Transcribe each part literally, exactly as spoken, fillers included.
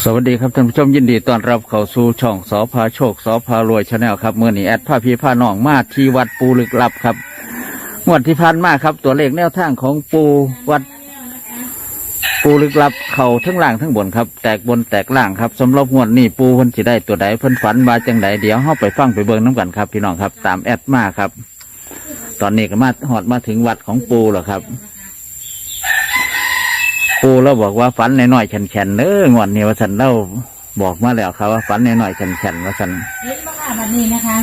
สวัสดีครับท่านผู้ชมยินดีต้อนรับเข้าสู่ช่องสพาโชคสพารวยชาแนลครับเมื่อนี้แอดผ้าพีผ้าน้องมาที่วัดปูลึกลับครับงวดที่ผ่านมาครับตัวเลขแนวทางของปูวัดปูลึกลับเข่าทั้งล่างทั้งบนครับแตกบนแตกล่างครับสำหรับงวดนี้ปูเพิ่นสิได้ตัวใดเพิ่นฝันมาจังไดเดี๋ยวเฮาไปฟังไปเบิ่งน้ำกันครับพี่น้องครับตามแอดมาครับตอนนี้ก็มาหอดมาถึงวัดของปูแล้วครับปูเราบอกว่าฝันน้อยๆแข็งๆเน้องวดนี้ว่าสันเราบอกมาแล้วครับว่าฝันน้อยๆแข็งๆว่าสันเห็นบ้างแบบนี้นะคะ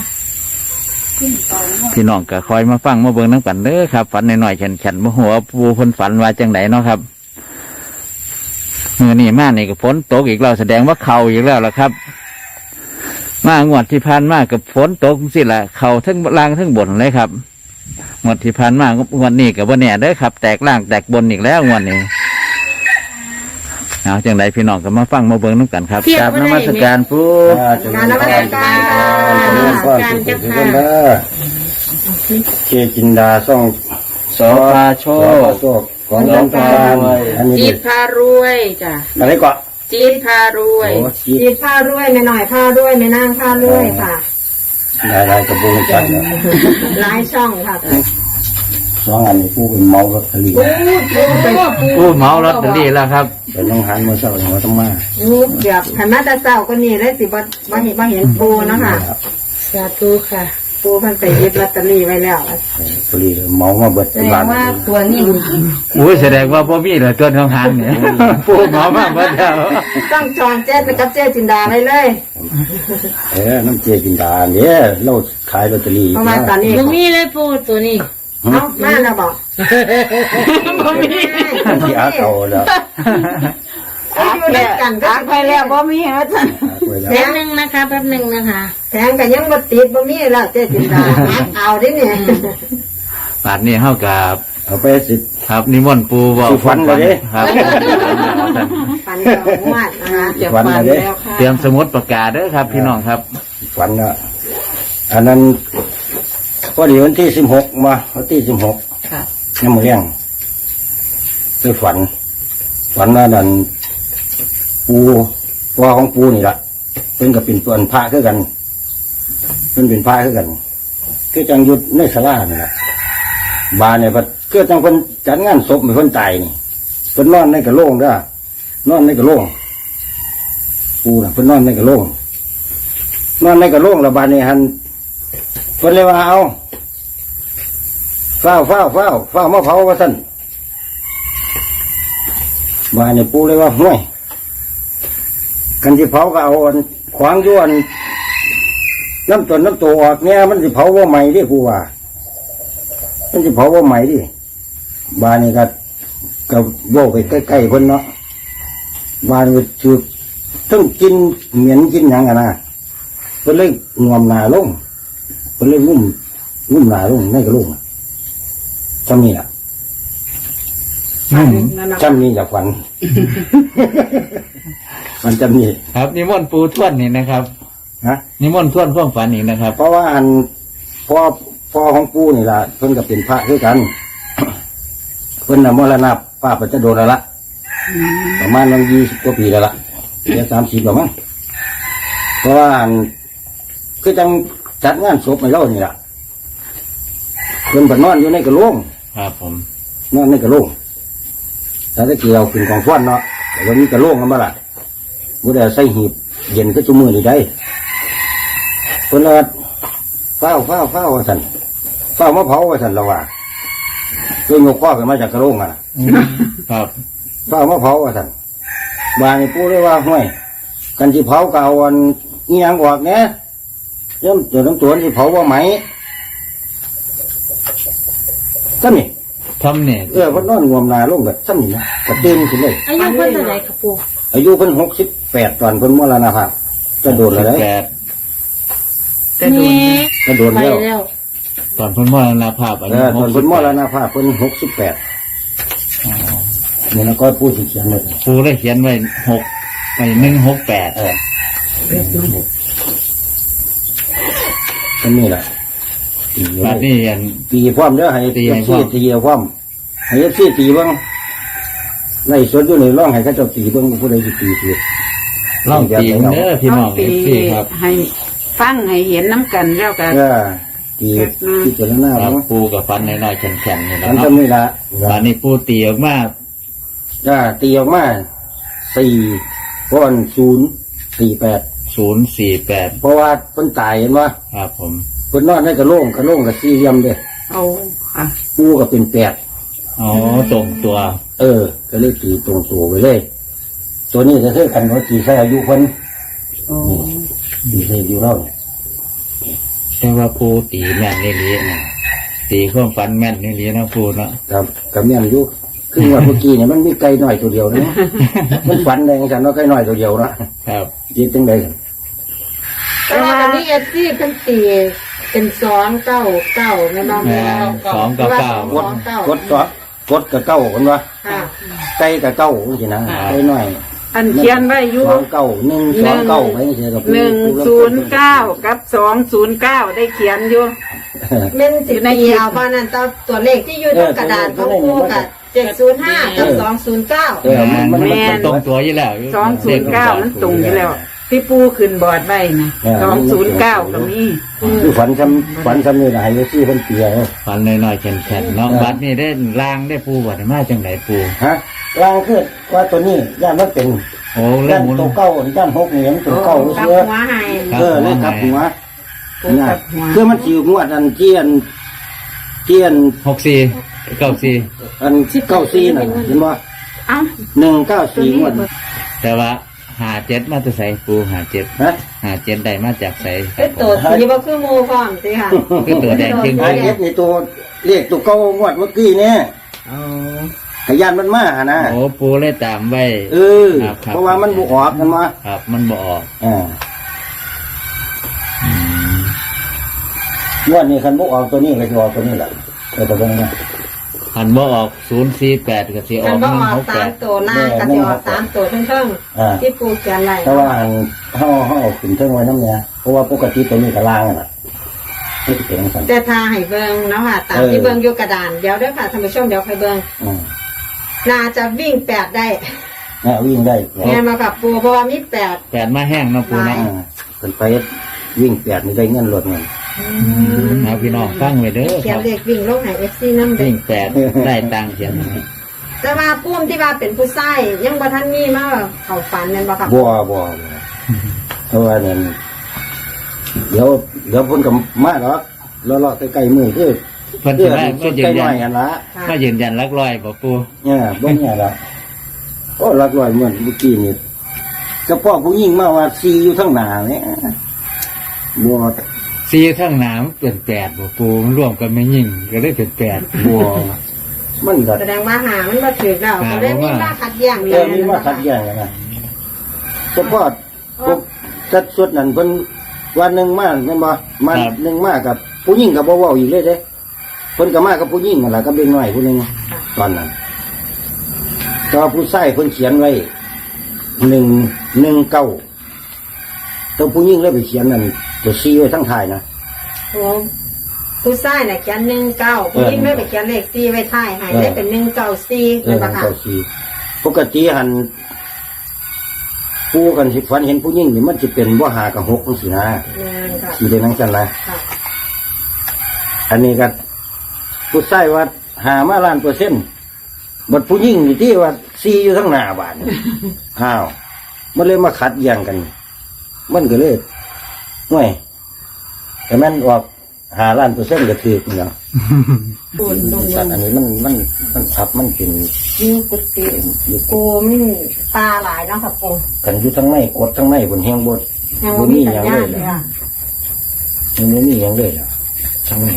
พี่น้องก็คอยมาฟังมาเบิ่งน้ำกันเด้อครับฝันน้อยๆแข็งๆมาหัวปูเพิ่นฝันว่าจังไดเนาะครับเมื่อนี้มานี่ก็ฝนตกอีกแล้วแสดงว่าเข่าอีกแล้วล่ะครับมางวดที่ผ่านมากับฝนตกสิล่ะเข่าทั้งล่างทั้งบนเลยครับงวดที่ผ่านมางวดนี้กับว่าเนี่ยเด้อครับแตกล่างแตกบนอีกแล้วงวดนี้เอาจังไดพี่น้องก็มาฟังมาเบิ่งน้ำกันครับกราบนมัสการปูการนมัสการค่ะการเจ้าค่ะเจจินดาส่องสพาโชคโชคของน้องพานอันนี้จีบพารวยจ้ะอะไรก่อนจีบพารวยโอ้ชีจีบผ้าด้วยไม่หน่อยผ้าด้วยไม่นั่งผ้าด้วยค่ะนายนายกระบุงกันเนี่ยหลายช่องค่ะสองอันนี้ผู้เป็นเมาลอตเตอรี่ปูเมาลอตเตอรี่แล้วครับเป็นน้องหันมาเศร้าหัวต้องมานี่เกือบขันมาแต่เช้าก็นี่เลยสิบ่บ่เห็นบ่เห็นปูเนาะค่ะสาธุค่ะปูเพิ่นไปหยิบลอตเตอรี่ไว้แล้วลอตเตอรี่เมามาเบิดแสเป็นดล้าง นว่าตัวนี้อุ้ยแสดงว่าพ่อมีเหลือตัวทางหันเนี่ยปูเมามากเบิดแล้วต้องจองเจ๊ไปกับเจ๊จินดาไว้เลยเออน้ำเจจินดาเนี่ยเราขายลอตเตอรี่เพราะว่าตอนนี้บ่มีเลยปูตัวนี้เอ้ามาแล้วบอกบ่มีที่อาเอาแล้วเอาอยู่ด้วยกันก็ไปแล้วบ่มีว่าซั่นไปแล้วแป๊บนึงนะคะแป๊บนึงนะคะแถมก็ยังบ่ติดบ่มีแล้วเจ๊จินดาเอาดิเนี่ยป่านนี้เฮากับเอาไปสิครับนิมนต์ปูบอกสิฝันเลยเด้ครับปันดอกงวดนะคะจะฝันเลยเด้เตรียมสมุดประกาศเด้อครับ พี่น้องครับฝันอ่ะอันนั้นพอดีวันที่สิบหกมาวันที่สิบหกค่ะยังมาเลี้ยงไปฝัน ฝันว่าดันปูพ่อของปูนี่ละเพิ่นกับเป็นตัวพระคือกันเพิ่นเป็นพระคือกันคือจังยุดในศาลานี่แหละบานเนี่ยคือจังเพิ่นจัดงานศพให้เพิ่นตายนี่เพิ่นนอนในกระโหลกเด้อนอนในกระโหลกปูน่ะเพิ่นนอนในกระโหลกนอนในกระโหลกแล้วบานนี้หันเพิ่นเลยว่าเอาเฝ้าเฝ้าเฝ้าเฝ้ามาเผาว่าซั่นบานนี้ปูเลยว่าห่วยกันที่เผาก็เอาอันขวางย้วนน้ำตนน้ำตัวออกเนี่ยมันสิเผาว่าใหม่ดิปูว่ามันสิเผาว่าใหม่ดิบานนี้ก็ก็โบกไปใกล้ๆคนเนาะบานนี้คือต้องกินเหม็นกินหยังกันนะเพิ่นเลยงวมหนาลงเพิ่นเลยงุ่มงุ่มหนาลงในกระโหลกจำนี่ล่ะจำนี่จากฝัน มันจำนี่ครับนิมนต์ปูทวนนี่นะครับนะนิมนต์ทวนพ่วงฝันอีกนะครับเพราะว่าอันพ่อพ่อของปู่นี่ล่ะเพิ่นก็เป็นพระด้วยกัน เพิ่นน่ะมรณะป้าปัจจโดนแล้วละประมาณนั้นยี่สิบกว่าปีแล้วละเดี๋ยวสามสิบแล้วมั้งเพราะว่าอันคือจังจัดงานศพให้เรานี่ล่ะเพิ่นไปนอนอยู่ในกระโหลกครับผมนอนในกระโหลกแต่ถ้าเกี่ยวขึ้นของฟ้อนเนาะแต่วันนี้กระโหลกกันมาล่ะบ่ได้ใส่หีบเย็นก็จุมือนี่ได้เพิ่นเลยเฝ้าเฝ้าเฝ้าว่าซั่นเฝ้ามาเผาว่าซั่นละว่าคือยกข้อขึ้นมาจากกระโหลกอ่ะครับเฝ้ามาเผาว่าซั่นบางนี่ปู่เลยว่าห้วยกันสิเผาก็เอาอันอีหยังออกแหน่เริ่มเจอน้ำตัวสิเผาว่าไหมซ้ำนี่ทำเนี่ยเออเพิ่นนอนงวมหนาลงแบบซ้ำนี่นะก็ตื่นขึ้นเลยอายุเพิ่นเท่าไหร่คะปูอายุเพิ่นหกสิบแปดตอนเพิ่นมรณภาพจะโดนอะไรแปดนี่จะโดนไปแล้วแล้วตอนเพิ่นมรณภาพอาเอยุอตอนเพิ่นมรณภาพเพิ่นหกสิบแปดนี่นะก็พูดสิเขียนเลยปูได้เขียนไว้หกไปหนึ่งหกแปดเอออันนี้แหละตีบัดนี้อันตีความเด้อให้ตีตีให้พร้ซีอมตีความให้เอฟซีตีเบ้างไล่สดอยู่ในร่องให้เขาเจ้าตีเบ้างผู้ใดสิตีตีลองตีเด้อพี่น้องตีเอฟซีครับให้ฟังให้เห็นน้ำกันแล้วกันก็ตีที่เจรหน้าครับเนาะปูกับฟันน้อยๆแข็งๆนี่แหละมันเนาะทำนี่ละตอนนี้ปูตีออกมาก็ตีออกมาสี่ก้อนศูนย์สี่แปดศูนย์สี่แปดเพราะว่าเพิ่นตายเห็นว่าครับผมเพิ่นนอนในกระโหลงกระโหลงกับสี่เหลี่ยมเด้เอาค่ะปูก็เป็นแปดอ๋อตรงตัวเออ ก็เลยตีตรงตัวไปเลย ตัวนี้จะคือกันว่าตีใส่อายุคนโอ้ตีใส่อายุเราเนี่ยแต่ว่าปูตีแม่นนี่ลีนะตีข้อมฟันแม่นนี่ลีนะปูเนาะครับกับแม่นอายุคือว่าเมื่อกี้เนี่ยมันมีไก่หน่อยตัวเดียวนะ มันฝันแดงฉันว่าไก่หน่อยตัวเดียวนะครับ จีจังใดกันแต่ว่าอันนี้เอฟซีเป็นตีเป็นสองเก้าเก้าแม่น้องแม่สองเก้าเก้ากดกดซอสกดกับเก้ากันวะค่ะไก่กับเก้าสินะไก่หน่อยอันเขียนไว้อยู่สองเก้าหนึ่งสองเก้าไปเฉยกับหนึ่งศูนย์เก้ากับสองศูนย์เก้าได้เขียนอยู่เม่นสิตีเอาบ้านนั้นตัวตัวเลขที่อยู่ตรงกระดาษของปูกับเจ็ดศูนย์ห้ากับสองศูนย์เก้าเออมันมันแม่มันนตรงตัวอยู่แล้วสองศูนย์เก้ามันตรงอยู่แล้ว ที่ปูขึ้นบอร์ดไว้นะสองศูนย์เก้าก็มีคือฝันซ้ำฝันซ้ำนี่นะให้ซื้อคนเปียเนาะฟันน้อยๆแข็งๆเนาะบัดนี่ได้ล่างได้ปูบัดนี้มาจังไหนปูฮะลางคือว่าตัวนี้ย่านมันเป็นโอ้เรื่ย่าอน งหมุนตัวเก้าย่านหกนี่มันตัวเก้ากับเชื่อหัวให้เออเลยกับหัวปูกับหัวคือมันสิวงวดอันเทียนเทียนหกสี่เก้าสี่อันเก้าสี่น่ะเห็นว่าเอ้าหนึ่งเก้าสี่งวดแต่ว่าหาเจ็ดมาจะใส่ปูหาเจ็ดฮะหาเจ็ดได้มาจากใส่ครัเป็บนผตัวมสีบ่คือหมูพร้อมสิค่ะคือตัวแดงจริงไอเอฟนี่ตัวเลขตัวเก้างวดเมื่อกี้เนี่ยอ๋อขยันมันมาหานะโอ้ปูเลยตามไว้เออครับครับเพราะว่ามันบุออกกันมาครับ มันบ่ออกอ่า งวดนี้คันบุออกตัวนี้ก็จะออกตัวนี้แหละเออตัวนี้นะหันบ่ออกศูนย์สี่แปดก็สิอมัอน กหบ่นึ่งออกหกแปสามดตัวหน้าก็จะออกสามตัวเพิ่งอ่าๆที่ปูเขียนไว้แต่ว่าอันห่อห่อขึ้นเท่งไว้น้ำเนี่ยเพราะว่าปกติตัวนี้กระล่างอ่ะไม่ติดเป็นสันแต่ทาให้เบิ่งเนาะค่ะตามที่เบิ่งอยู่กระดานเดี๋ยวเด้อค่ะท่านผู้ชมเดี๋ยวค่อยเบิ่งอืมน่าจะวิ่งแปดได้เนี่ยวิ่งได้แม่นมากับปูเพราะว่ามีแปดแปดมาแห้งเนาะปูเนาะอ่าขึ้นไปวิ่งแปดนี่ได้เงินหลดเงินเอาพี่น้องฟังไว้เด้อเขีคยนรับเลขวิ่งลงให้ เอฟ ซี นำเด้วิ่งแปดได้ตังค์เขียนแต่ว่าปุ้มที่ว่าเป็นผู้ชายยังบ่ทันมีมาเข้าฝันแม่นบ่ครับบัวบัวบัวเพราะว่าเนี่ยเดี๋ยวเดี๋ยวเพ้นกับมาหรอกแล้วเลาะใกล้ๆมือคือเพิ่นเพื่สิอมาสุก็ดยืใกล้นหยัน่อยนกันละก็ยืนยันรักร้อยบ่ปูเนี่ยเบิ้งเนี่ยละโอ้รักรอยเหมือนเมื่อกี้นี่กระเพาะผู้หญิงมาว่าซีอยู่ทั้งหนาเนี่ยบัวสี่ทั้งหนามเป็นแปดบ่ปูมันรวมกันไม่ยิ่งก็ได้เป็นแปดบัวมันก็แสดงว่าหามันบ่ถูกแล้วก็เลยมีมาขัดแย้งเออมีมาขัดแย้งกันนะเฉพาะพวกจัดสุดนั่นเพิ่นวันหนึ่งมาแม่นบ่มันหนึ่งมากับผู้หญิงกับบ่เว้าอีกเลยเด้เพิ่นก็มากับผู้หญิงนั่นล่ะก็เป็นน้อยผู้หนึงตอนนั้นแต่ว่าผู้ชายเพิ่นเขียนไว้หนึ่งหนึ่งเก้าตัวผู้หญิงเลยไปเขียนนั่นตัวซีไว้ทั้งท้ายนะโอ้ผู้ชายน่ะเขียนหนึ่งเก้าผู้หญิงเลยไปเขียนเลขสี่ไว้ท้ายให้ได้เป็นหนึ่งเก้าสี่เอแม่อนบ่ค่ะเก้าซีปกติหันผู้กันสิฝันเห็นผู้หญิงนี่มันจะเป็นบ่หากับหกจังซี่นะแม่นค่ะสีเป็นนั่งกันนะค่ะอันนี้ก็ผู้ชายว่าหามาล้านเปอร์เซ็นต์บัดผู้หญิงนี่ที่ว่าซีอยู่ทั้งหน้าบ้าน อ้าวมันเลยมาขัดแย้งกัน มันก็เลยห่วยแต่แม่นออกหาล้านเปอร์เซ็นต์ก็ถือเนาะปูนลงสัตว์อันนี้มันมันมันทับมันเป็นยิ่งกุฏิกูมันปลาหลายเนาะค่ะปูกันอยู่ทั้งในกดทั้งในบนแห้งบดยังบบ่นมีนี่สัญยังญาเลณยเลยล่ะค่ะยังไม่มียังเลยล่ะทั้งใน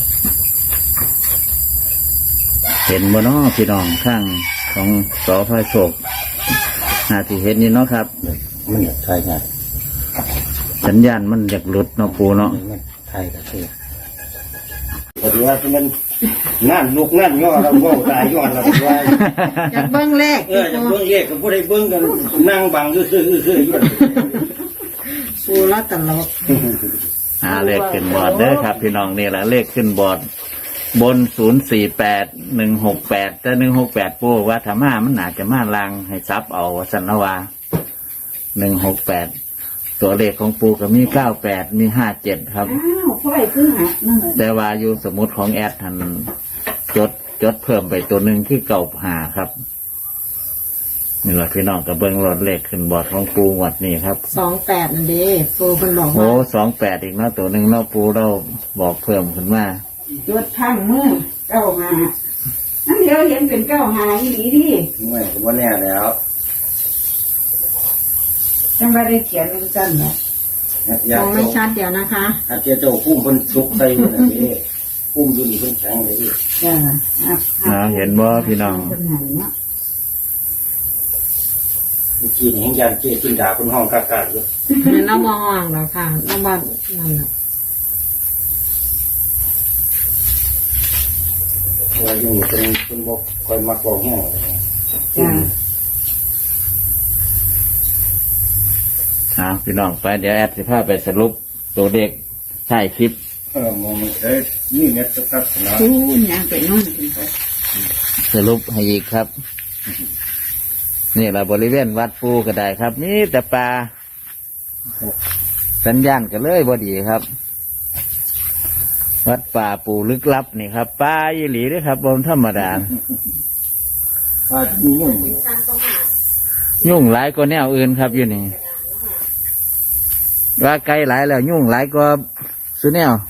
เห็นบ่เนาะพี่น้องข้างของสอพระโชคหาที่เห็นนี่เนาะครับมันอยากทายง่ายสัญญาณมันอยากหลุดเนาะปูเนาะมันทายก็คือแต่ที่ว่ามันนั่นลูกนั่นย่อเราโง่ตายย้อนเราว่าอยากเบิ่งเลขเออจะเบิ้งเลขกับผู้ใดเบิ้งกันนั่งบังซื่อซื่อซื่ออยู่ปูละตลกหาเลขขึ้นบอร์ดเด้อครับ พี่น้องนี่แหละเลขขึ้นบอร์ดบนศูนย์สี่แปดหนึ่งหกแปดแต่หนึ่งหกแปดปูว่าธรรมามันอาจจะมาลางให้ซับเอาสันนวาหนึ่งหกแปดตัวเลขของปูก็มีเก้าแปดมีห้าเจ็ดครับอ้าวพ่อยคือหักนั่นแหละแต่ว่าอยู่สมุดของแอดทันจดจดเพิ่มไปตัวหนึ่งที่เก่าหาครับนี่แหละพี่น้องกับเบิ้งรถเลขขึ้นบอร์ดของปูงวัดนี่ครับสองแปดนั่นเด้ปูเพิ่นบอกโอ้ว่าสองแปดอีกเนาะตัวหนึ่งเนาะปูเราบอกเพิ่มขึ้นมาจดข้างมือเก้าหานั่นเดี๋ยวเห็นเป็นเก้าหาอีหลีดิไม่ผมว่าแน่แล้วจังว่าได้เขียนเป็นจันแหละอยาม กองไม่ชัดเดี๋ยวนะคะอาเจ้าเจ้าพุ่มเพิ่นซุกใส่เพิ่นนี่พุ่มอยู่นี่เพิ่นแข็งเลยจ้าอ่ะอ่าเห็นบ่พี่น้องเป็นหันเนาะเมื่อกี้นี่ยังยานเจ้ขึ้นด่าคนห้องกากๆอยู่น้ำมองแล้วค่ะน้ำบ้านนั่นน่ะว่าอยู่นี่เป็นเป็นบ่คอยมักบอกแห้งเลยจ้าอ่าพี่น้องไปเดี๋ยวแอดสิพาไปสรุปตัวเลขใช่คลิปเออมองเอ้ยนี่เนี่ยสักพักนะอู้ยางไปนอนกินไปสรุปให้อีกครับ นี่แหละบริเวณวัดปูก็ได้ครับนี่แต่ปลาสัญญาณก็เลยบดีครับ วัดป่าปูลึกลับนี่ครับปลาอีหลีเด้วยครับบนธรรมดาว่ามียุ่งยุ่งหลายกว่าแนวอื่นครับอยู่นี่ว่าไกลหลายแล้วยุ่งหลายกว่าสุแนว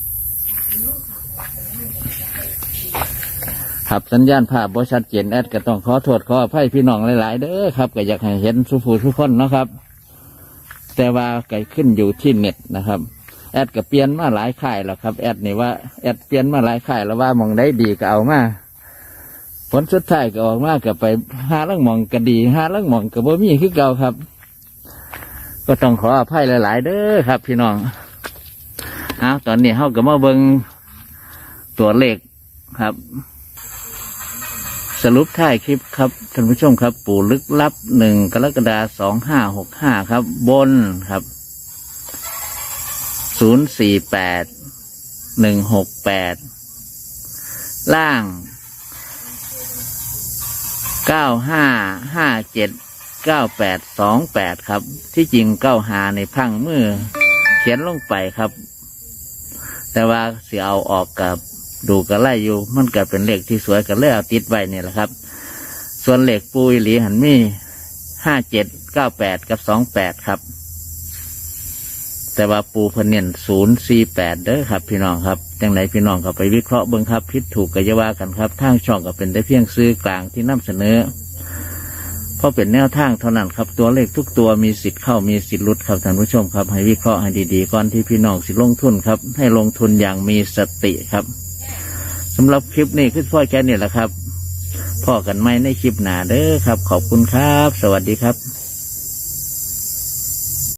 ครับสัญญาณภาพบ่ชัดเจนแอดก็ต้องขอโทษขออภัยพี่น้องหลายๆเด้อครับก็อยากให้เห็นสุภูทุกคนเนาะครับ แต่ว่าไก่ขึ้นอยู่ที่เน็ตนะครับแอดก็เปลี่ยนมาหลายค่ายแล้วครับแอดนี่ว่าแอดเปลี่ยนมาหลายค่ายแล้วว่ามองได้ดีก็เอามาผลสุดท้ายก็ออกมาก็ไปหาลังมองก็ดีหาลังมองก็บ่มีคือเก่าครับ ก็ต้องขออภัยหลายๆเด้อครับ พี่น้องเอาตอนนี้เฮาก็มาเบิ่งตัวเลขครับ สรุปท้ายคลิปครับท่านผู้ชมครับปู่ลึกลับหนึ่งกรกฎาสองห้าหกห้าครับ บนครับศูนย์สี่แปดหนึ่งหกแปดล่างเก้าห้าห้าเจ็ดเก้าแปดสองแปดครับ ที่จริงเก้าหาในพังมือเขียนลงไปครับ แต่ว่าเสียเอาออกกับดูกระไล่อยู่มันก็เป็นเลขที่สวยกันเลยเอาติดไว้เนี่ยแหละครับ ส่วนเลขปูอีหลีหันมีห้าเจ็ดเก้าแปดกับสองแปดครับ แต่ว่าปูเพนเนียนศูนย์สี่แปดเด้อครับพี่น้องครับจังไหนพี่น้องก็ไปวิเคราะห์เบิ่งครับผิดถูกก็จะว่ากันครับทางช่องก็เป็นได้เพียงซื้อกลางที่นำเสนอเพราะเป็นแนวทางเท่านั้นครับตัวเลขทุกตัวมีสิทธิ์เข้ามีสิทธิ์หลุดครับท่านผู้ชมครับให้วิเคราะห์ให้ดีๆก่อนที่พี่น้องสิลงทุนครับให้ลงทุนอย่างมีสติครับสำหรับคลิปนี้คือพ่อแค่นี้แหละครับพ่อกันไหมในคลิปหน้าเด้อครับขอบคุณครับสวัสดีครับ